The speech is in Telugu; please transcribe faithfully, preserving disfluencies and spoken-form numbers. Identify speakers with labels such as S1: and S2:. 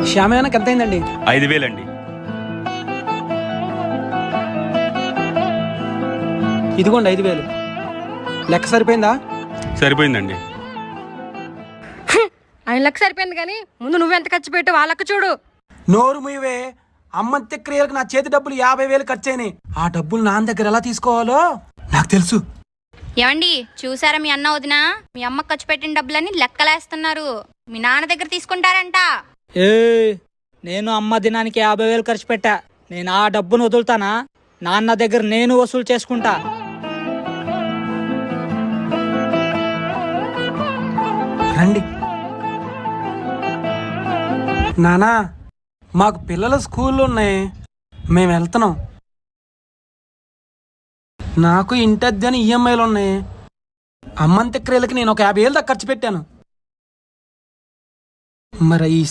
S1: శ్యామయానికి ఎంత అయిందండి?
S2: ఐదు వేలండి.
S1: ఇదిగోండి ఐదు వేలు. లెక్క సరిపోయిందా?
S2: సరిపోయిందండి.
S3: ఆయన లెక్క సరిపోయింది కానీ ముందు నువ్వెంత ఖర్చు పెట్టు వాళ్ళక్క చూడు.
S1: నోరు ముయ్యవే. అమ్మంత్య క్రియలకు నా చేతి డబ్బులు యాభై వేలు ఖర్చు అయినాయి. ఆ డబ్బులు నాన్న దగ్గర ఎలా తీసుకోవాలో నాకు తెలుసు.
S4: ఏమండి చూసారా మీ అన్న వదిన మీ అమ్మ ఖర్చు పెట్టిన డబ్బులని లెక్కలేస్తున్నారు. మీ నాన్న దగ్గర తీసుకుంటారంట.
S5: ఏ నేను అమ్మ దినానికి యాభై వేలు ఖర్చు పెట్టా. నేను ఆ డబ్బును వదులుతానా? నాన్న దగ్గర నేను వసూలు చేసుకుంటా.
S1: రండి నానా, మాకు పిల్లల స్కూళ్ళు ఉన్నాయి, మేము వెళ్తున్నాం. నాకు ఇంటద్ది అని ఈఎంఐలు ఉన్నాయి. అమ్మంత్య క్రియలకి నేను ఒక యాభై వేలు దాకా ఖర్చు పెట్టాను. మరి ఈ